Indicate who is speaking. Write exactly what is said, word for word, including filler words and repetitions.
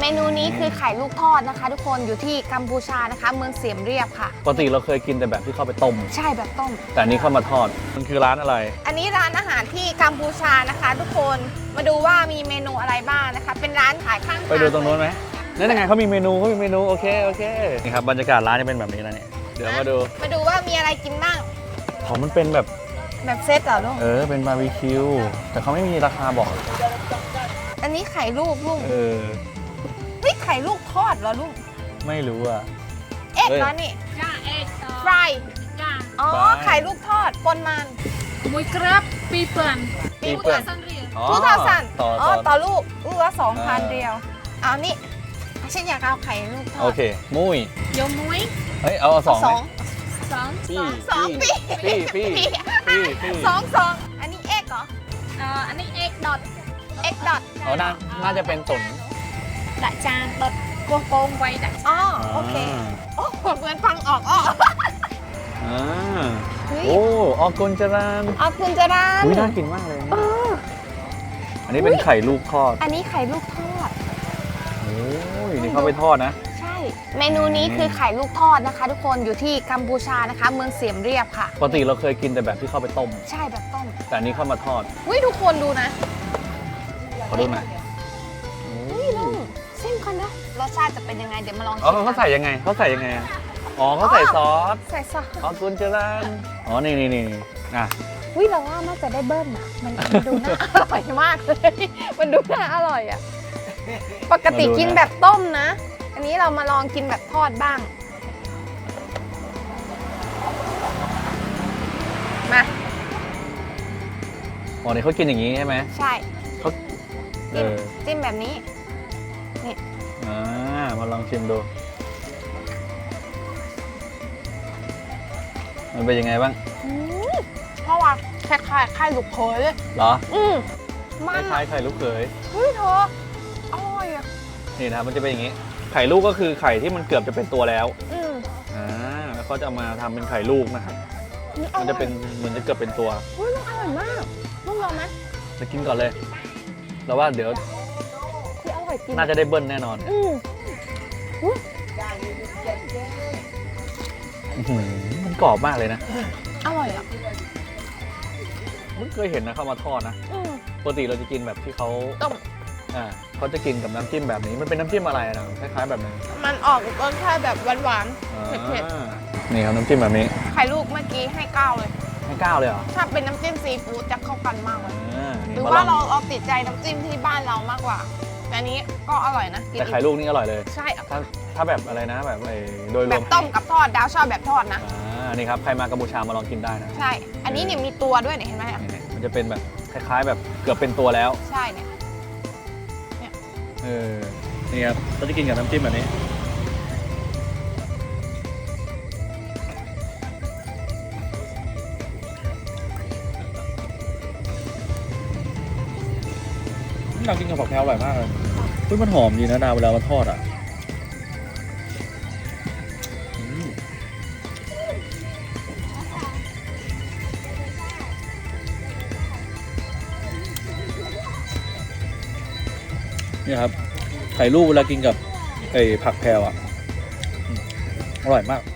Speaker 1: เมนูนี้คือไข่ลูกทอดนะคะทุกคนอยู่ที่กัมพูชานะคะเมืองเสียมเรียบค่ะ
Speaker 2: ปกติเราเคยกินแต่แบบที่เข้าไปต้ม
Speaker 1: ใช่แบบต้ม
Speaker 2: แต่อันนี้เข้ามาทอดมันคือร้านอะไร
Speaker 1: อันนี้ร้านอาหารที่กัมพูชานะคะทุกคนมาดูว่ามีเมนูอะไรบ้างนะคะเป็นร้านขายข้างทาง
Speaker 2: ไปดูตรงนู้นไหมนั่นยังไงเขามีเมนูเขามีเมนูโอเคโอเคนี่ครับบรรยากาศร้านจะเป็นแบบนี้นะเนี่ยเดี๋ยวมาดู
Speaker 1: มาดูว่ามีอะไรกินบ้าง
Speaker 2: ของมันเป็นแบบ
Speaker 1: แบบเซตเหรอลูก
Speaker 2: เออเป็นบาร์บีคิวแต่เขาไม่มีราคาบอก
Speaker 1: อันนี้ไข่ลูกลูก
Speaker 2: เออ
Speaker 1: เฮ้ยไข่ลูกทอดเหรอลูก
Speaker 2: ไม่รู้อ่ะ
Speaker 1: เอ็กเหรอนี่
Speaker 3: จ้าเอ็ก
Speaker 1: ฟรายจ้าอ๋อไข่ลูกทอดปนมัน
Speaker 3: มวยกรับปีเปิล
Speaker 1: ปีเปิลทุกทาสันอ๋อต่อลูกลูกละสองพันเดียวเอานี่ฉันอยากเอาไข่ลูกทอด
Speaker 2: โอเคมุ้ย
Speaker 3: โยมุ้ย
Speaker 2: เฮ้ยเอาสอง
Speaker 1: สอง
Speaker 3: สอง
Speaker 1: สองปี
Speaker 2: ปีปีปี
Speaker 1: สองสองอันนี้เอ็กเหรอ
Speaker 3: เอ่ออันนี้เอ็กดอท
Speaker 1: เอ็กดอท
Speaker 2: อ๋อน่าน่าจะเป็นตุ๋น
Speaker 3: ดักจานดอทโกโปงไว้ดัก
Speaker 1: อ๋อโอเคโอ้เหมือนฟังออกอ้อ
Speaker 2: อ่าโอ้ออกกุนจราน
Speaker 1: ออกกุนจราน
Speaker 2: อุ้ยน่ากินมากเลยอันนี้เป็นไข่ลูกทอด
Speaker 1: อันนี้ไข่ลูกทอด
Speaker 2: โอ้ยนี่เขาไปทอดนะ
Speaker 1: ใช่เมนูนี้คือไข่ลูกทอดนะคะทุกคนอยู่ที่กัมพูชานะคะเมืองเสียมเรียบค่ะ
Speaker 2: ปกติเราเคยกินแต่แบบที่เข้าไปต้ม
Speaker 1: ใช่แบบต้ม
Speaker 2: แต่อันนี้เข้ามาทอด
Speaker 1: อุ้ยทุกคนดูนะ
Speaker 2: ขอดูหน่อย
Speaker 1: อุ้ยลูกเส้นกันนะรสชาติจะเป็นยังไงเดี๋ยวมาลอง
Speaker 2: อ๋อเขาใส่ยังไงเขาใส่ยังไงอ๋อเขาใส่ซอส
Speaker 1: ใส่ซอส
Speaker 2: อ๋อกุนจรานอ๋อนี่นี่นี่อ่ะ
Speaker 1: วิเราว่าน่าจะได้เบิ้ลนะมันดูน่าอร่อยมากเลยมันดูน่าอร่อยอ่ะปกติกินแบบต้มนะอันนี้เรามาลองกินแบบทอดบ้างมา
Speaker 2: อ๋อนี่เขากินอย่างนี้ใช่ไหม
Speaker 1: ใช่
Speaker 2: เขาเออ
Speaker 1: จิ้มแบบนี้นี่
Speaker 2: อ่ามาลองชิมดูมันเป็นยังไงบ้าง
Speaker 1: เพราะว่าคล้ายๆไข่ลูกเขยเลย
Speaker 2: เหรอ
Speaker 1: อืม
Speaker 2: มันคล้ายๆไข่ลูกเขย
Speaker 1: เฮ้ยเธออร่อยอ่ะ
Speaker 2: นี่นะมันจะเป็นอย่างนี้ไข่ลูกก็คือไข่ที่มันเกือบจะเป็นตัวแล้ว
Speaker 1: อืม
Speaker 2: อ่าแล้วเขาจะมาทำเป็นไข่ลูกนะครับมันจะเป็นเหมือนจะเกือบเป็นตัว
Speaker 1: เฮ้ยมันอร่อยมากลูกลองไหม
Speaker 2: จะกินก่อนเลยแล้วว่าเดี๋ยวน่าจะได้เบิ้ลแน่นอนอืมมันกรอบมากเลยนะ
Speaker 1: อร่อยอ่ะ
Speaker 2: ไม่เคยเห็นนะเขามาทอดนะปกติเราจะกินแบบที่เขา
Speaker 1: ต้ม
Speaker 2: อ่าเขาจะกินกับน้ำจิ้มแบบนี้มันเป็นน้ำจิ้มอะไรนะคล้ายๆแบบนี้
Speaker 1: มันออกรสชาติแบบหวานๆเผ็ด
Speaker 2: ๆนี่ครับน้ำจิ้มแบบนี้
Speaker 1: ไข่ลูกเมื่อกี้ให้เก้าเลย
Speaker 2: ให้เก้าเลยเหรอ
Speaker 1: ถ้าเป็นน้ำจิ้มซีฟู้ดจะเข้ากันมากเลยหรือว่าเราเอาติดใจน้ำจิ้มที่บ้านเรามากกว่าแต่นี้ก็อร่อยนะ
Speaker 2: แต่ไข่ลูกนี่อร่อยเลย
Speaker 1: ใช่
Speaker 2: ถ้าถ้าแบบอะไรนะแบบโดยรวม
Speaker 1: แบบต้มกับทอดดาวชอบแบบทอดนะ
Speaker 2: อ่านี่ครับใครมากัมพูชามาลองกินได้นะ
Speaker 1: ใช่อันนี้เนี่ยมีตัวด้วยเนี่ยเห็นไหม
Speaker 2: มันจะเป็นแบบคล้ายๆแบบเกือบเป็นตัวแล้ว
Speaker 1: ใช่เนี่ย
Speaker 2: เออนี่ครับเราจะกินกับน้ำจิ้มแบบนี้เรากินกับผักแพรวอร่อยมากเลยเฮ้ยมันหอมดีนะดาวเวลามันทอดอ่ะนี่ครับไข่ลูกเวลากินกับไอ้ผักแพรวอ่ะอร่อยมาก